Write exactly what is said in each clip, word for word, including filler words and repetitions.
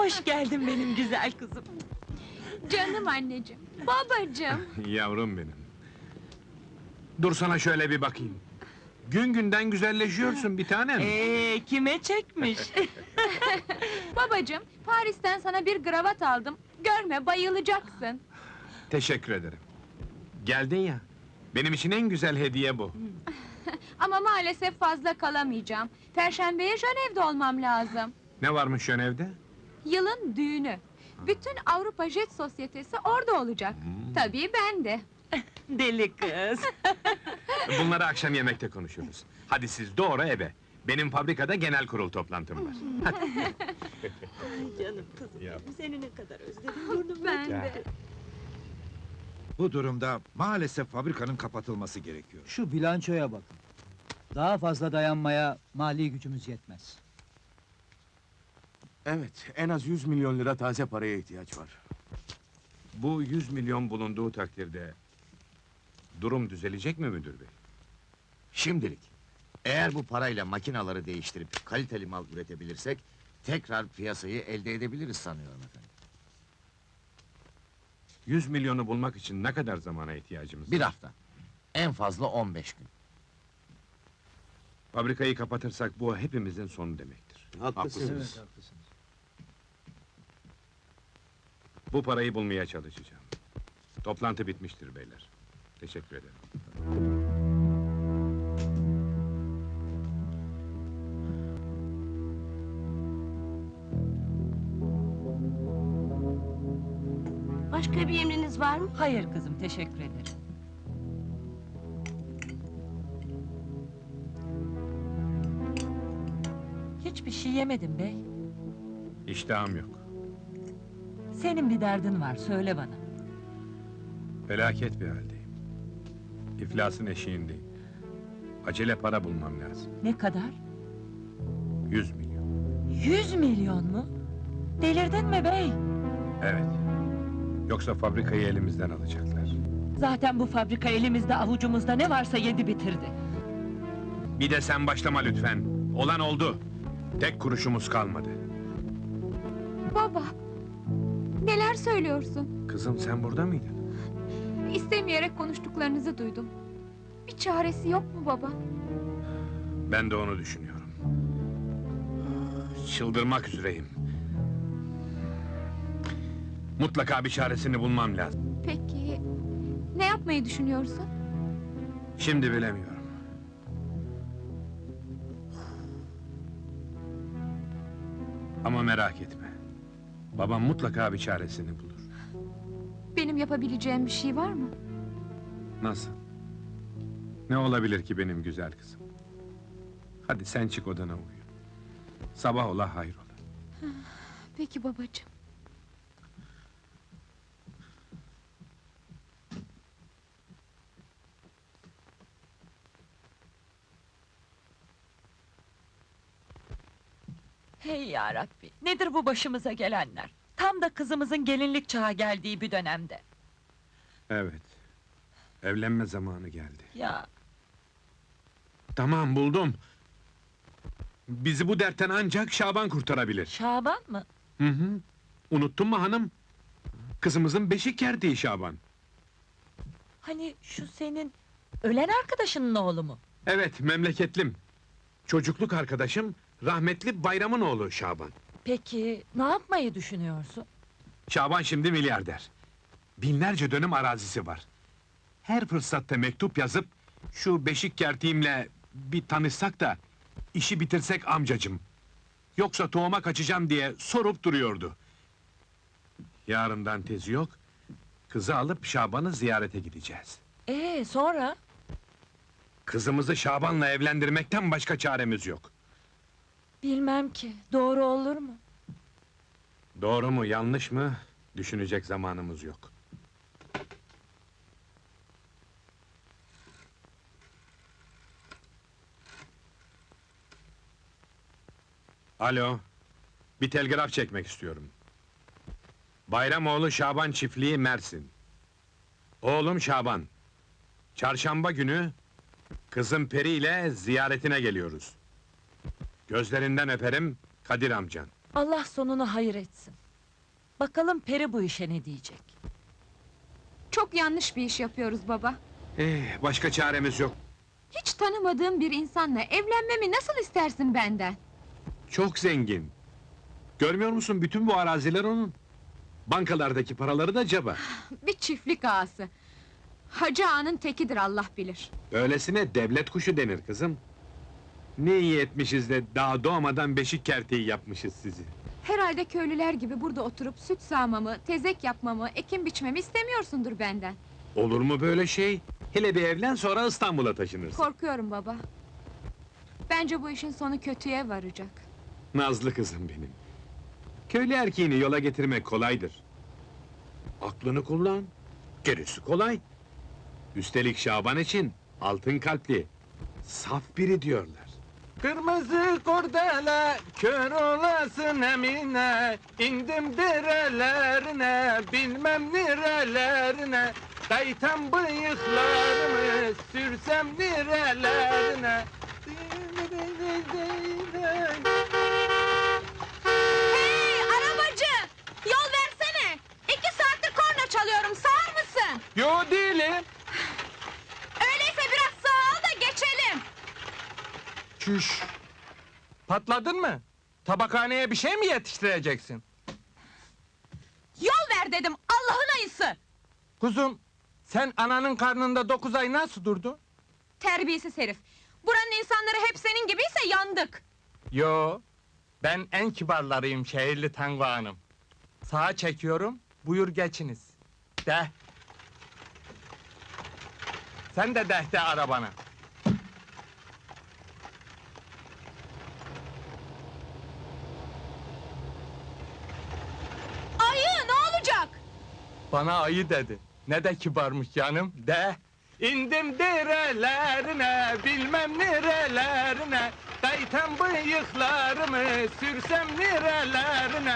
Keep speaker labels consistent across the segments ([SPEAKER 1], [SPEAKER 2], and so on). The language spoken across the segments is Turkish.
[SPEAKER 1] Hoş geldin benim güzel kızım.
[SPEAKER 2] Canım anneciğim, babacığım.
[SPEAKER 3] Yavrum benim. Dur sana şöyle bir bakayım. Gün günden güzelleşiyorsun bir tanem.
[SPEAKER 1] Ee, kime çekmiş?
[SPEAKER 2] Babacığım, Paris'ten sana bir kravat aldım. Görme, bayılacaksın.
[SPEAKER 3] Teşekkür ederim. Geldin ya. Benim için en güzel hediye bu.
[SPEAKER 2] Ama maalesef fazla kalamayacağım. Perşembeye Jönev'de olmam lazım.
[SPEAKER 3] Ne varmış Jönev'de?
[SPEAKER 2] Yılın düğünü. Bütün Avrupa Jet Sosyetesi orada olacak. Tabii ben de.
[SPEAKER 1] Deli kız.
[SPEAKER 3] Bunları akşam yemekte konuşuruz. Hadi siz doğru eve. Benim fabrikada genel kurul toplantım var.
[SPEAKER 1] Canım kızım,
[SPEAKER 3] Ya.
[SPEAKER 1] seni ne kadar özledim, burnum
[SPEAKER 2] Ben
[SPEAKER 3] Ya.
[SPEAKER 2] de.
[SPEAKER 4] Bu durumda maalesef fabrikanın kapatılması gerekiyor.
[SPEAKER 5] Şu bilançoya bakın. Daha fazla dayanmaya mali gücümüz yetmez.
[SPEAKER 6] Evet, en az yüz milyon lira taze paraya ihtiyaç var.
[SPEAKER 3] Bu yüz milyon bulunduğu takdirde... ...durum düzelecek mi müdür bey?
[SPEAKER 7] Şimdilik. Eğer bu parayla makinaları değiştirip kaliteli mal üretebilirsek... ...tekrar piyasayı elde edebiliriz sanıyorum efendim.
[SPEAKER 3] Yüz milyonu bulmak için ne kadar zamana ihtiyacımız
[SPEAKER 7] Bir
[SPEAKER 3] var?
[SPEAKER 7] hafta. En fazla on beş gün.
[SPEAKER 3] Fabrikayı kapatırsak bu hepimizin sonu demektir.
[SPEAKER 6] Haklısınız.
[SPEAKER 5] Evet, haklısınız.
[SPEAKER 3] Bu parayı bulmaya çalışacağım. Toplantı bitmiştir beyler. Teşekkür ederim.
[SPEAKER 8] Başka bir emriniz var mı?
[SPEAKER 1] Hayır kızım, teşekkür ederim. Hiçbir şey yemedim bey.
[SPEAKER 3] İştahım yok.
[SPEAKER 1] Senin bir derdin var, söyle bana.
[SPEAKER 3] Felaket bir haldeyim. İflasın eşiğindeyim. Acele para bulmam lazım.
[SPEAKER 1] Ne kadar?
[SPEAKER 3] Yüz milyon.
[SPEAKER 1] Yüz milyon mu? Delirdin mi bey?
[SPEAKER 3] Evet. Yoksa fabrikayı elimizden alacaklar.
[SPEAKER 1] Zaten bu fabrika elimizde, avucumuzda ne varsa yedi bitirdi.
[SPEAKER 3] Bir de sen başlama lütfen. Olan oldu. Tek kuruşumuz kalmadı.
[SPEAKER 2] Baba, neler söylüyorsun?
[SPEAKER 3] Kızım sen burada mıydın?
[SPEAKER 2] İstemeyerek konuştuklarınızı duydum. Bir çaresi yok mu baba?
[SPEAKER 3] Ben de onu düşünüyorum. Çıldırmak üzereyim. Mutlaka bir çaresini bulmam lazım.
[SPEAKER 2] Peki, ne yapmayı düşünüyorsun?
[SPEAKER 3] Şimdi bilemiyorum. Ama merak etme. Babam mutlaka bir çaresini bulur.
[SPEAKER 2] Benim yapabileceğim bir şey var mı?
[SPEAKER 3] Nasıl? Ne olabilir ki benim güzel kızım? Hadi sen çık odana uyu. Sabah ola hayrola.
[SPEAKER 2] Peki babacığım.
[SPEAKER 1] Hey ya Rabbi, nedir bu başımıza gelenler? Tam da kızımızın gelinlik çağı geldiği bir dönemde.
[SPEAKER 3] Evet. Evlenme zamanı geldi.
[SPEAKER 1] Ya,
[SPEAKER 3] Tamam buldum. Bizi bu dertten ancak Şaban kurtarabilir.
[SPEAKER 1] Şaban mı?
[SPEAKER 3] Hı hı. Unuttun mu hanım? Kızımızın beşik kertiği Şaban.
[SPEAKER 1] Hani şu senin ölen arkadaşının oğlu mu?
[SPEAKER 3] Evet, memleketlim. Çocukluk arkadaşım, rahmetli Bayram'ın oğlu Şaban.
[SPEAKER 1] Peki, ne yapmayı düşünüyorsun?
[SPEAKER 3] Şaban şimdi milyarder. Binlerce dönüm arazisi var. Her fırsatta mektup yazıp, şu beşik kertiğimle bir tanışsak da, işi bitirsek amcacım. Yoksa tohuma kaçacağım diye sorup duruyordu. Yarından tezi yok, kızı alıp Şaban'ı ziyarete gideceğiz.
[SPEAKER 1] Ee, sonra?
[SPEAKER 3] Kızımızı Şaban'la evlendirmekten başka çaremiz yok.
[SPEAKER 1] Bilmem ki, doğru olur mu?
[SPEAKER 3] Doğru mu, yanlış mı? Düşünecek zamanımız yok. Alo, bir telgraf çekmek istiyorum. Bayramoğlu Şaban Çiftliği, Mersin. Oğlum Şaban. Çarşamba günü kızım Peri ile ziyaretine geliyoruz. Gözlerinden öperim, Kadir amcan.
[SPEAKER 1] Allah sonunu hayır etsin. Bakalım Peri bu işe ne diyecek?
[SPEAKER 2] Çok yanlış bir iş yapıyoruz baba.
[SPEAKER 3] Eh, başka çaremiz yok.
[SPEAKER 2] Hiç tanımadığım bir insanla evlenmemi nasıl istersin benden?
[SPEAKER 3] Çok zengin. Görmüyor musun, bütün bu araziler onun. Bankalardaki paraları da ceba.
[SPEAKER 2] Bir çiftlik ağası. Hacı ağanın tekidir Allah bilir.
[SPEAKER 3] Öylesine devlet kuşu denir kızım. Ne iyi etmişiz de daha doğmadan beşik kerteği yapmışız sizi.
[SPEAKER 2] Herhalde köylüler gibi burada oturup süt sağmamı, tezek yapmamı, ekim biçmemi istemiyorsundur benden.
[SPEAKER 3] Olur mu böyle şey? Hele bir evlen, sonra İstanbul'a taşınırsın.
[SPEAKER 2] Korkuyorum baba. Bence bu işin sonu kötüye varacak.
[SPEAKER 3] Nazlı kızım benim. Köylü erkeğini yola getirmek kolaydır. Aklını kullan, gerisi kolay. Üstelik Şaban için altın kalpli, saf biri diyorlar.
[SPEAKER 6] Kırmızı kordele, kör olasın Emine. İndim derelerine, bilmem nerelerine. Kaytan bıyıklarımı, sürsem nerelerine.
[SPEAKER 2] Hey arabacı! Yol versene! İki saattir korna çalıyorum, sağır mısın?
[SPEAKER 6] Yo değilim.
[SPEAKER 2] Öyleyse biraz sağa al da geçelim!
[SPEAKER 6] Çüş. Patladın mı? Tabakhaneye bir şey mi yetiştireceksin?
[SPEAKER 2] Yol ver dedim, Allah'ın ayısı!
[SPEAKER 6] Kuzum, sen ananın karnında dokuz ay nasıl durdun?
[SPEAKER 2] Terbiyesiz herif! Buranın insanları hep senin gibiyse yandık!
[SPEAKER 6] Yo, ben en kibarlarıyım şehirli Tango Hanım. Sağa çekiyorum, buyur geçiniz. De. Sen de deh de arabana.
[SPEAKER 2] Ayı ne olacak?
[SPEAKER 6] Bana ayı dedi. Ne de kibarmış canım, de. İndim derelerine, bilmem nerelerine. Kaytan bıyıklarımı, sürsem nerelerine.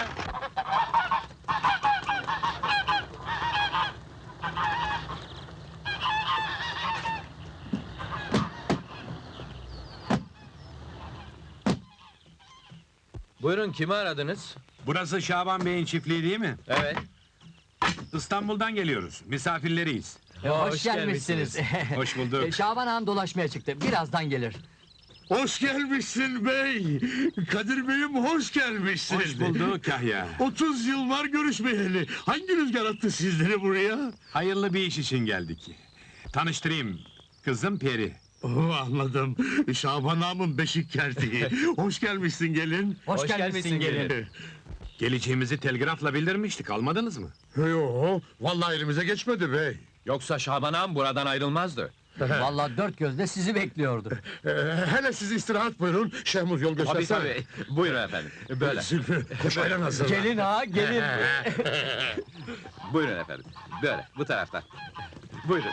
[SPEAKER 9] Buyurun, kimi aradınız?
[SPEAKER 3] Burası Şaban Bey'in çiftliği değil mi?
[SPEAKER 9] Evet.
[SPEAKER 3] İstanbul'dan geliyoruz, misafirleriyiz.
[SPEAKER 9] Hoş, gelmişsiniz.
[SPEAKER 3] Hoş bulduk.
[SPEAKER 9] E, Şaban ağam dolaşmaya çıktı, birazdan gelir.
[SPEAKER 7] Hoş gelmişsin bey! Kadir beyim hoş gelmişsin!
[SPEAKER 3] Hoş bulduk Kahya.
[SPEAKER 7] otuz yıl var görüşmeyeli. Hangi rüzgar attı sizleri buraya?
[SPEAKER 3] Hayırlı bir iş için geldik. Tanıştırayım, kızım Peri.
[SPEAKER 7] Oh, anladım. Şaban ağamın beşik kertiği. Hoş gelmişsin gelin.
[SPEAKER 9] Hoş, gelmişsin gelin.
[SPEAKER 3] Geleceğimizi telgrafla bildirmiştik, almadınız mı?
[SPEAKER 7] Yo, vallahi elimize geçmedi bey.
[SPEAKER 9] Yoksa Şaban ağam buradan ayrılmazdı. Vallahi dört gözle sizi bekliyordu.
[SPEAKER 7] Ee, hele siz istirahat buyurun. Şehmuz yol
[SPEAKER 9] Tabii
[SPEAKER 7] göstersene.
[SPEAKER 9] tabii. Buyurun efendim. Böyle.
[SPEAKER 7] Zülfü, koş ayran hazırla.
[SPEAKER 9] Gelin ağa, gelin. Buyurun efendim. Böyle, bu taraftan. Buyurun.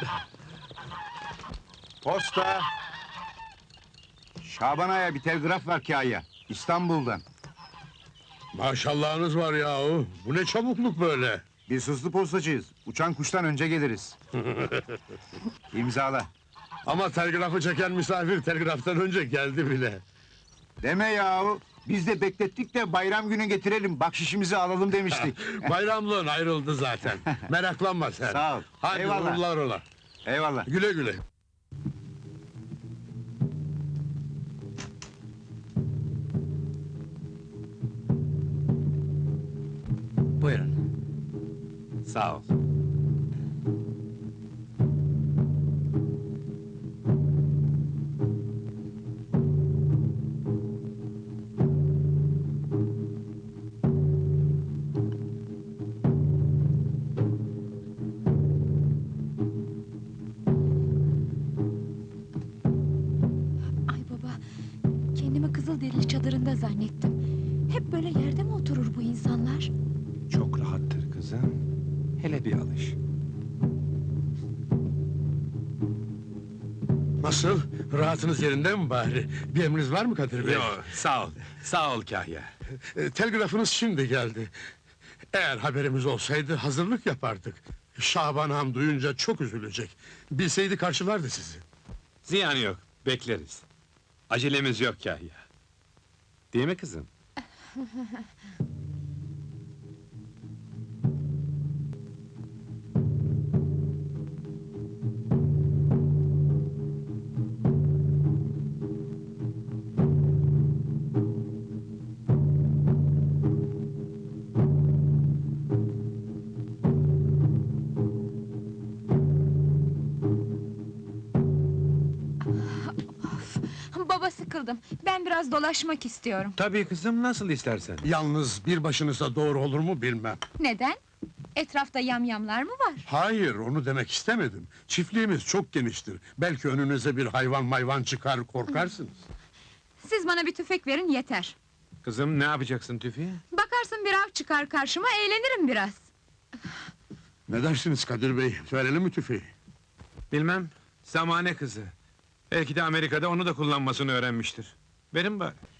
[SPEAKER 10] Posta! Şaban Ağa'ya bir telgraf var Kâya, İstanbul'dan.
[SPEAKER 7] Maşallahınız var yahu. Bu ne çabukluk böyle?
[SPEAKER 10] Biz hızlı postacıyız, uçan kuştan önce geliriz. İmzala.
[SPEAKER 7] Ama telgrafı çeken misafir telgraftan önce geldi bile.
[SPEAKER 10] Deme yahu, biz de beklettik de bayram günü getirelim, bakşişimizi alalım demiştik.
[SPEAKER 7] Bayramlığın ayrıldı zaten. Meraklanma sen.
[SPEAKER 10] Sağ ol.
[SPEAKER 7] Hadi
[SPEAKER 10] Eyvallah.
[SPEAKER 7] uğurlar ola.
[SPEAKER 10] Eyvallah.
[SPEAKER 7] Güle güle.
[SPEAKER 9] Buyurun.
[SPEAKER 3] Sağ ol.
[SPEAKER 2] Ay baba, kendimi Kızılderili çadırında zannettim. Hep böyle yerde mi oturur bu insanlar?
[SPEAKER 3] Çok rahattır kızım. Hele bir alış.
[SPEAKER 7] Nasıl? Rahatınız yerinde mi bari? Bir emriniz var mı Kadir Bey?
[SPEAKER 3] Yo, sağ ol. Sağ ol Kahya.
[SPEAKER 7] E, telgrafınız şimdi geldi. Eğer haberimiz olsaydı hazırlık yapardık. Şaban ağam duyunca çok üzülecek. Bilseydi karşılardı sizi.
[SPEAKER 3] Ziyanı yok, bekleriz. Acelemiz yok Kahya. Değil mi kızım?
[SPEAKER 2] Baba, sıkıldım. Ben biraz dolaşmak istiyorum.
[SPEAKER 3] Tabii kızım, nasıl istersen.
[SPEAKER 7] Yalnız bir başınıza doğru olur mu bilmem.
[SPEAKER 2] Neden? Etrafta yamyamlar mı var?
[SPEAKER 7] Hayır, onu demek istemedim. Çiftliğimiz çok geniştir. Belki önünüze bir hayvan mayvan çıkar, korkarsınız.
[SPEAKER 2] Siz bana bir tüfek verin yeter.
[SPEAKER 3] Kızım, ne yapacaksın tüfeği?
[SPEAKER 2] Bakarsın bir av çıkar karşıma, eğlenirim biraz.
[SPEAKER 7] Ne dersiniz Kadir Bey, verelim mi tüfeği?
[SPEAKER 3] Bilmem, zamane kızı. Belki de Amerika'da onu da kullanmasını öğrenmiştir. Verin bari.